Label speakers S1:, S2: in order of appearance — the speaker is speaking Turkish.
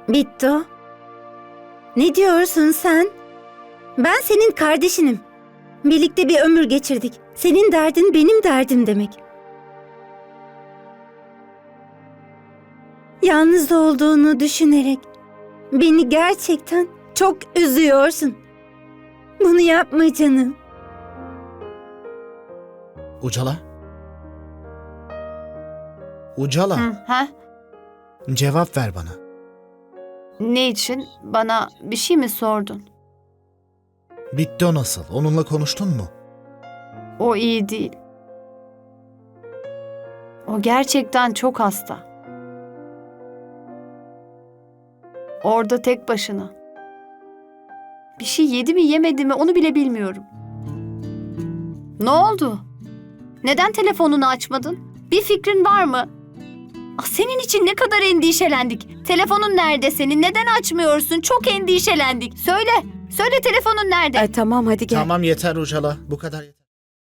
S1: Bittu. Ne diyorsun sen? Ben senin kardeşinim. Birlikte bir ömür geçirdik. Senin derdin benim derdim demek. Yalnız olduğunu düşünerek beni gerçekten çok üzüyorsun. Bunu yapma canım.
S2: Ucala. Ucala,
S3: Ha?
S2: cevap ver bana.
S3: Ne için? Bana bir şey mi sordun?
S2: Bitti o nasıl? Onunla konuştun mu?
S3: O iyi değil. O gerçekten çok hasta. Orada tek başına. Bir şey yedi mi yemedi mi onu bile bilmiyorum. Ne oldu? Neden telefonunu açmadın? Bir fikrin var mı? Senin için ne kadar endişelendik. Telefonun nerede senin? Neden açmıyorsun? Çok endişelendik. Söyle. Söyle telefonun nerede?
S1: Tamam hadi gel.
S2: Tamam yeter Ucala, bu kadar yeter.